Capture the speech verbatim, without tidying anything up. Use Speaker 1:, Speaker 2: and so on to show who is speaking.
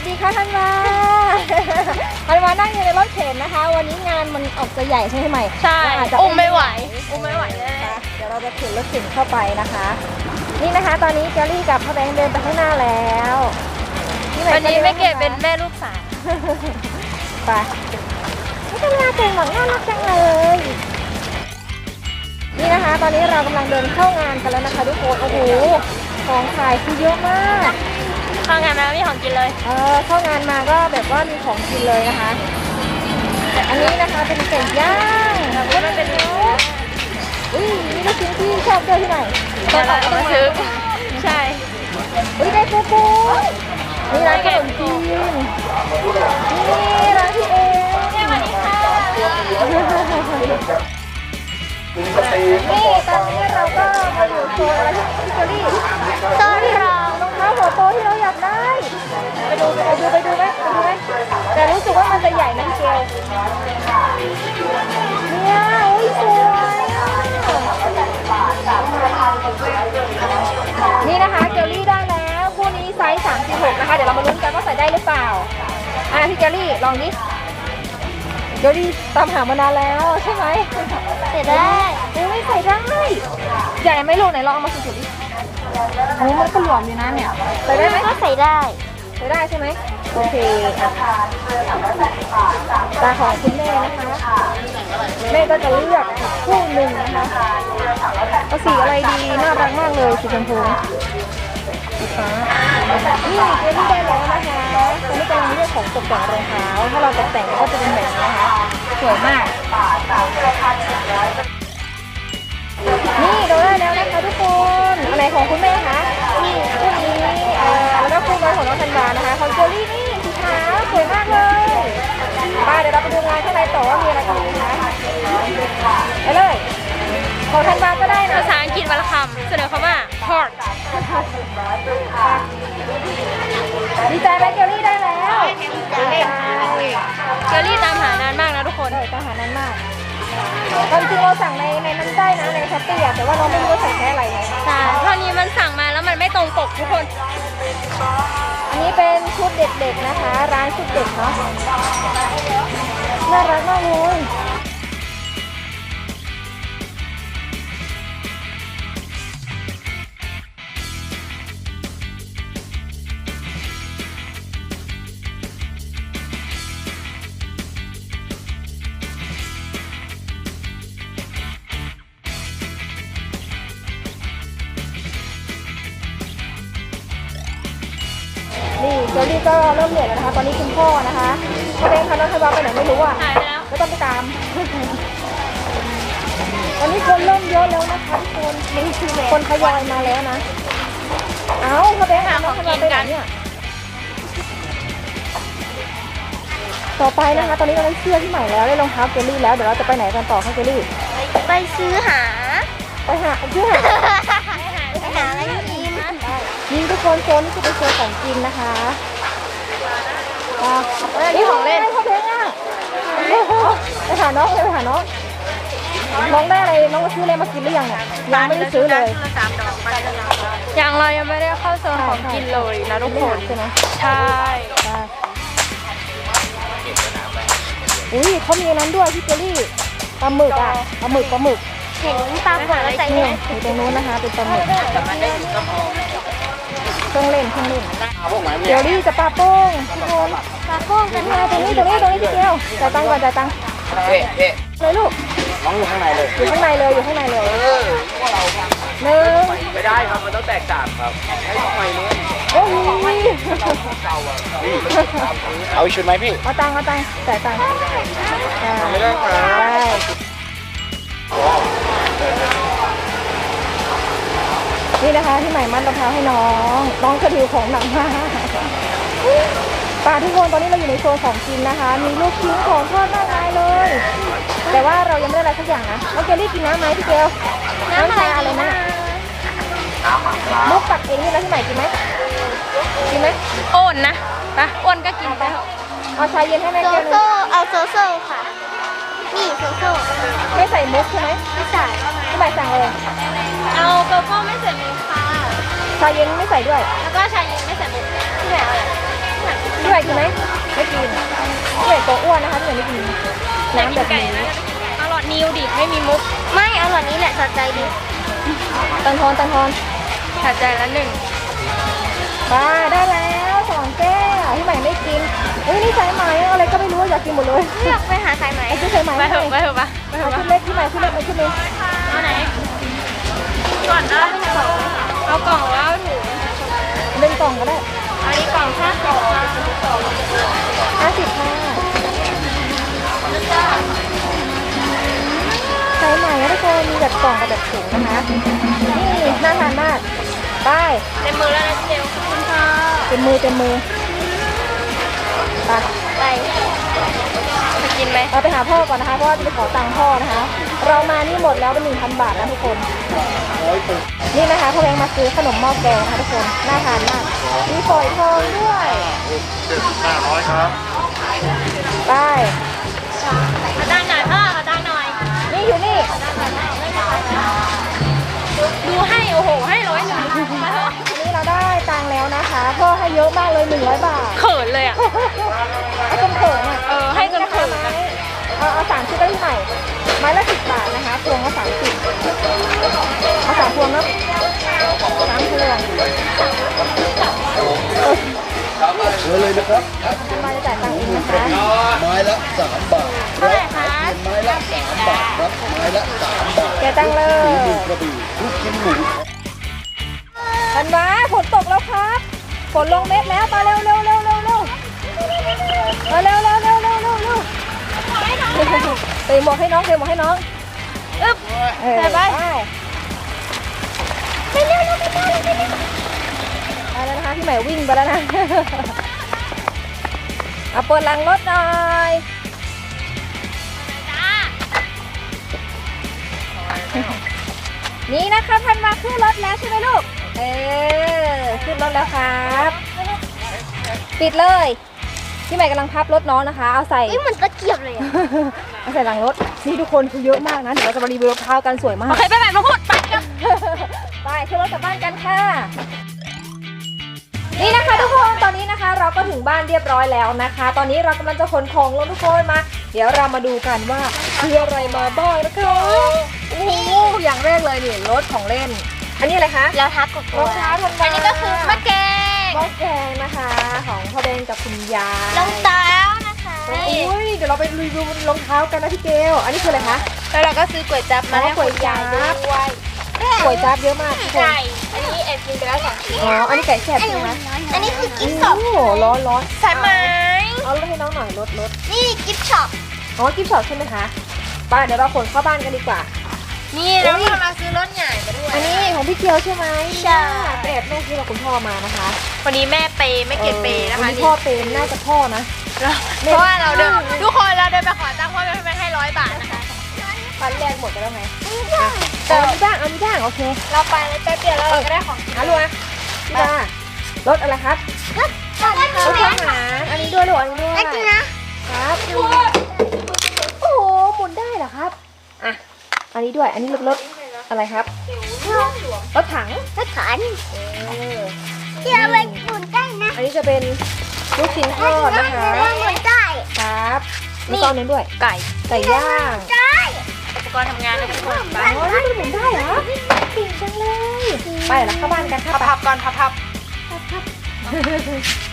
Speaker 1: สดีค่ะท่านวาท่านวานั่งอยู่ในรถเข็นนะคะ วันนี้งานมันออกจะใหญ่ใช่ไหม
Speaker 2: ใช่อุ้มไม่ไหวอุ้มไม่ไหวเลย
Speaker 1: เดี๋ยวเราจะเข็นรถเข็นเข้าไปนะคะ นี่นะคะตอนนี้เกลลี่กับพ่อแบงค์เดินไปข้างหน้าแล้ว
Speaker 2: วันนี้ไม่เก็บเป็นแม่ลูกสาว
Speaker 1: ไปนี่ท่านวาเก่งหมดน่ารักจังเลย นี่นะคะตอนนี้เรากำลังเดินเข้างานกันแล้วนะคะทุกคนโอ้โหของขายคือเยอะมาก
Speaker 2: เข้างานมามีของกินเลย
Speaker 1: เออเข้างานมาก็แบบว่ามีของกินเลยนะคะแต่อันนี้นะคะเป็นไก่ย่างแล้วก็เป็นเนื้ออุ้ยนี่ลูกชิ้นที่ชอบเจอที่ไหน
Speaker 2: ตอนออกมาซื้อใช่
Speaker 1: อุ้ยได้ปูปูนี่ร้านขนมจีนนี่ร้านพี่เอง
Speaker 2: สวัสดีค่ะ
Speaker 1: นี่ตอนนี้เราก็มาอยู่โซนอะไรที่เกลลี่
Speaker 2: โซนที่เรา
Speaker 1: รองเท้าหัวโตที่เราอยากได้ไปดูไปดูไปดูไหมไปดูไหมแต่รู้สึกว่ามันจะใหญ่นะพี่เกลเนี่ยอุ้ยสวยนี่นะคะเกลลี่ได้แล้วคู่นี้ไซส์สามสิบหกนะคะเดี๋ยวเรามาลุ้นกันว่าใส่ได้หรือเปล่าอ่ะพี่เกลลี่ลองดิเกลลี่ตามหามานานแล้วใช่ไหม
Speaker 2: ใส่ได้
Speaker 1: ไม่ใส่ได้ใหญ่ไหมลูกไหนลองเอามาสุดๆดิโอ้มันก็หลวมอยู่นะเนี่ยใส่ได้ไหม
Speaker 2: ก็ใส่ได้
Speaker 1: ใส่ได้ใช่ไหมโอเคตาของคุณแม่นะคะแม่ก็จะเลือกคู่หนึ่งนะคะเอาสีอะไรดีน่ารักมากเลยสีชมพูสีฟ้านี่เกลลี่ได้แล้วนะคะตอนนี้กำลังเลือกของตกแต่งรองเท้าถ้าเราตกแต่งก็จะเป็นแบบนี้นะคะสวยมากนี่เราได้แล้วนะคะทุกคนอะไรของคุณแม่คะนี่คู่นี้เอ่อแล้วก็คู่น้อยของน้องธันวานะคะของเจอรี่นี่สีขาวสวยมากเลยไปเดี๋ยวเราไปดูงานข้างในต่อว่ามีอะไรกันนะคะไปเลยของธันวาก็ได้นะ
Speaker 2: ภาษาอังกฤษวรรณคำเสนอคำว่า hot
Speaker 1: ดีใจไหมเจอรี่ได้แล้ว
Speaker 2: เกลลี่ตามหานานมากนะทุกคน
Speaker 1: ตามหานานมากตอนจริงเราสั่งในในนั้นได้นะในช้อปปี้อะแต่ว่าเราไม่รู้ว่าใส่แค่อะไร
Speaker 2: ใช่เท่านี้มันสั่งมาแล้วมันไม่ตรงปกทุกคน
Speaker 1: อันนี้เป็นชุดเด็กๆนะคะร้านชุดเด็กเนาะน่ารักมากเลยนี่เจอรี่ก็เริ่มเหนื่อยแล้วนะคะตอนนี้คุณพ่อนะคะพ่อเบนคะน้องธันวาไปไหนไม่รู้อ่ะ
Speaker 2: หายไปแล้ว
Speaker 1: ก็ต้องไปตามตอนนี้คนเริ่มเยอะแล้วนะคะทุกคนคนทยอยมาแล้วนะเอ้าพ่อเบนน้องธันวาไปไหนเนี่ยต่อไปนะคะตอนนี้เราได้เสื้อที่ใหม่แล้วได้รองเท้าเจอรี่แล้วเดี๋ยวเราจะไปไหนกันต่อคะเจอรี่
Speaker 2: ไปซื้อหา
Speaker 1: ไปหาซื้อหา
Speaker 2: ไปหาอะไรกินนะ
Speaker 1: นี่ทุกคนโซนนี่คือเป็นโซนของกินนะคะ
Speaker 2: นี่ของเล่น
Speaker 1: พ่อเพลงอ่ะไปหาน้องเลยไปหาน้องน้องได้อะไรน้องมาซื้ออะไรมากินหรือยังเนี่ยยังไม่ได้ซื้อเลย
Speaker 2: ยังเรายังไม่ได้เข้าโซนของกินเลยนะทุกคน
Speaker 1: ใช่ไหม
Speaker 2: ใช่
Speaker 1: อุ้ยเขามีนั้นด้วยพี่เจอรี่ปลาหมึกอ่ะปลาหมึกปลาหมึก
Speaker 2: เห็นปลาหัวแล้วใจ
Speaker 1: เนี่ยอยู่ตรงนู้นนะคะเป็นปลาหมึกเครื่องเล่นเครื่องเล่นเดี๋ยวรี่จะปลาโป้งทุกคน
Speaker 2: ปลาโป้งกัน
Speaker 1: มาตรงนี้ตรงนี้ตรงนี้ทีเดียวจ่ายตังค์ก่อนจ่ายตังค์
Speaker 3: เฮ้เฮ้
Speaker 1: เลยลูก
Speaker 3: น้องอยู่ข้างในเลย
Speaker 1: อยู่ข้างในเลยอยู่ข้างในเลย
Speaker 3: เออพวกเรา
Speaker 1: หนึ่ง
Speaker 3: ไม่ได้ครับมันต้องแตกต่างครับให้ทำไมเนี่ย
Speaker 1: โอ้ย
Speaker 3: เอาชุดไหมพี่
Speaker 1: เอาตังค์เอาตังค์จ่ายตังค์
Speaker 3: ไม่ได้ครับ
Speaker 1: นี่นะคะที่ใหม่มัดรองเท้าให้น้องน้องกระดิวของหนักมากป่าทุกคนตอนนี้เราอยู่ในโซนของกินนะคะมีลูกชิ้นของทอดมากมายเลยแต่ว่าเรายังไม่ได้อะไรสักอย่างนะน้องเกลลี่กินน้ำไหมพี่เกล
Speaker 2: น้ำอะไร
Speaker 1: อะไรนะลูกปักเองนี่แล้วที่ใหม่กินไหมกินไหม
Speaker 2: โอนนะปะอ้วนก็กินไป
Speaker 1: เอาชาเย็นให้แม่
Speaker 2: โซ
Speaker 1: เกล
Speaker 2: โซ่เอาโซโซ่ค่ะนี่โซโซ่
Speaker 1: ไม่ใส่มุกใช่ไหม
Speaker 2: ไม่ใส่
Speaker 1: ที่ใหม่สั่งเลย
Speaker 2: เอาโกโก้ไม่ใส่มุกค่ะ
Speaker 1: ชาเย็นไม่ใส่ด้วย
Speaker 2: แล้วก็ชาเย็นไม่ใส่มุกที่ไหนเอาอะไร
Speaker 1: ที่ไหนกินไหมไม่กินพี่ใหม่ตัวอ้วนนะคะพี่ใหม่ไม่กินน้ำแบบนี้
Speaker 2: อร่อยนิวดิไม่มีมุก
Speaker 4: ไม่เอาหล่อนนี้แหละสะใจดิ
Speaker 1: ตันทอนตันทอน
Speaker 2: ขาดใจละหนึ่ง
Speaker 1: ไปได้แล้วสองแก้วพี่ใหม่ไม่กินเฮ้ยนี่สายไหมอะไรก็ไม่รู้อยากกินหมดเลย
Speaker 4: เลือกไปหาสายไหม
Speaker 1: ไอ้ที่สายไหม
Speaker 2: ไปเถอะไปเถอะปะไปเถ
Speaker 1: เอา
Speaker 2: อะปะ
Speaker 1: ชุดเล็กพี่ใหม่ชุดเล็กเอาชุดเล็ก
Speaker 2: เอาไหนก่อนได้เอากล่องหรือเอาถุง
Speaker 1: เป็นกล่องก็ได้
Speaker 2: อันนี้กล่องแค่กล่อง
Speaker 1: ห้าสิบค่ะสายไหมนะทุกคนมีแบบกล่องกับแบบถุงนะคะนี่น่าทานมากไป
Speaker 2: เต็มมือแล้วนะเจลขอบคุณค่ะ
Speaker 1: เต็มมือเต็มมือไป
Speaker 4: ไป
Speaker 2: จะกินไหม
Speaker 1: เราไปหาพ่อก่อนนะคะเพราะว่าจะไปขอตังค์พ่อนะคะ เรามานี่หมดแล้วเป็นหนึ่งพันบาทนะทุกคน นี่นะคะพ่อแบงค์มาซื้อขนมหม้อแกงนะคะทุกคนน่าทานมากมีฝอยทองด้วย
Speaker 3: เจ็ดสิบห้าร้อยครับ
Speaker 1: ไป
Speaker 2: ขอดังหน่อยพ่อขอดังหน่อย
Speaker 1: นี่อยู่นี่
Speaker 2: ดูให้โอ้โหให้ร้อยหนึ่ง
Speaker 1: อันนี้เราได้ตังค์แล้วนะคะพ่อให้เยอะมากเลยหนึ่งร้อยบาท
Speaker 2: เขินเลยอ่ะ
Speaker 1: ให้จนเขินอ่ะ
Speaker 2: เออให้จนเขิน
Speaker 1: ไม้เอาเอาสามชุดได้ที่ใหม่ไม้ละสิบบาทนะคะพวงละสามสิบเอาสามพวงเนาะสามพวง
Speaker 3: เชิญเลยนะครับ
Speaker 1: มาจะจ่ายตังค์เองนะคะ
Speaker 3: ไม้ละสามบาท
Speaker 2: เท่าไหร่คะ
Speaker 3: ไม้ละสามบาทครับไม้ละสามบาท
Speaker 1: แกตังค์เลย
Speaker 3: หนึ่งกระบี่ลูกชิ้นหมู
Speaker 1: ธันวาฝนตกแล้วครับฝนลงเม็ดแล้วมาเร็วเร็วเร็วเร็วเร็วมาเร็วเร็วเร็วเร็วเร็วเร็วเตะหมวกให้น้องเตะหมวกให้น้องอึ๊บใส่ไปไปเร็วเร็วไปเร็วไปเร็วไปแล้วนะคะพี่ใหม่วิ่งไปแล้วนะเอาเปิดหลังรถหน่อยนี่นะคะทันมาขึ้นรถแล้วใช่ไหมลูกเออขึ้นรถแล้วครับปิดเลยพี่ใหม่กำลังพับรถน้องนะคะเอาใส่
Speaker 4: นี่เหมือนตะเกียบเลยอะ
Speaker 1: เอาใส่หลังรถนี่ทุกคนคือเยอะมากนะเดี๋ยวเราจะมารีวิวรองเท้ากันสวยมา
Speaker 2: โอก เคไปแบบมาพูดไปกัน
Speaker 1: ไปขึ้นรถกลับบ้านกันค่ะนี่นะคะทุกคนตอนนี้นะคะ เราก็ถึงบ้านเรียบร้อยแล้วนะคะ ตอนนี้เรากำลังจะขนของลงทุกคนมา เดี๋ยวเรามาดูกันว่าคืออะไรมาบ้างนะคะโอ้โหอย่างแรกเลยนี่รถของเล่น อันนี้อะไรคะ
Speaker 4: แล้วทักกบ
Speaker 1: รองเท้าธันวา
Speaker 2: อันนี้ก็คือมะแกง
Speaker 1: หม้อแกงนะคะ ของพ่อเบนกับคุณยาย
Speaker 4: รองเท้านะคะ
Speaker 1: อุ้ยเดี๋ยวเราไปรีวิวรองเท้ากันนะพี่เกลอันนี้คืออะไรคะ
Speaker 2: แล้วเราก็ซื้อก๋วยจั๊บมาให้คุณยายด้วย
Speaker 1: ก๋วยจั๊บเยอะมากทุกคน
Speaker 2: ไก่อันนี้แอบกินไปแล้วสองชิ้น
Speaker 1: อ๋ออันนี้ไก่แซ่บใช่ไหม
Speaker 4: อันนี้คือกิฟต์ช็
Speaker 1: โอ้
Speaker 4: อป
Speaker 1: โหร้อนร้อน
Speaker 2: สายไหม
Speaker 1: เอารถให้น้องหน่อยรถรถ
Speaker 4: นี่กิฟต์ช็อป
Speaker 1: อ๋อกิฟต์ช็อปใช่ไหมคะไปเดี๋ยวเราขนเข้าบ้านกันดีกว่า
Speaker 2: นี่แล้วเรามาซื้อรถใหญ่มาด้วย
Speaker 1: อันนี้ของพี่เกียวใช่ไหมใช่เปรตแม่ซื้อกับคุณพ่อมานะคะ
Speaker 2: วันนี้แม่เปย์ไม่เก็บเปย์นะคะ
Speaker 1: วั
Speaker 2: นี่
Speaker 1: พ่อเปย์น่าจะพ่อนะ
Speaker 2: เพราะว่าเราเดินทุกคนเราเดินไปขอตังค์พ่อแม่ให้ร้อยบาทนะคะ
Speaker 1: ฟันแรกหมดไปแล้วไงเอามีบ้างเอามีบ้างโอเค
Speaker 2: เราไปแล้วแป๊บเดียวแล้วเราก็ได้ของ
Speaker 1: อ่ะลูกอ่ะพี่บ้ารถอะไรครับ
Speaker 4: ก็ก็
Speaker 1: รถทหารอันนี้ด้วยลูกอันนี้ด้วย
Speaker 4: จริงนะครับ
Speaker 1: โอ้โหหมุนได้เหรอครับอ่ะอันนี้ด้วยอันนี้รถรถอะไรครับรถถัง
Speaker 4: ก็ขัน
Speaker 1: เออ
Speaker 4: ที่เอาไปหมุนได้นะ
Speaker 1: อันนี้จะเป็นลูกชิ้นทอดนะคะ
Speaker 4: หมุนได้
Speaker 1: ครับมีตอนนึงด้วย
Speaker 2: ไก่
Speaker 1: ไก่ย่าง
Speaker 4: ได้
Speaker 2: อุปกรณ์ทำงานนะทุกคนไป
Speaker 1: อ๋อนี่มันหมุนได้เหรอเก่งจังเลยไปแล้วเข้าบ้านกันค่ะ
Speaker 2: พับๆก่อนพับ
Speaker 1: ไป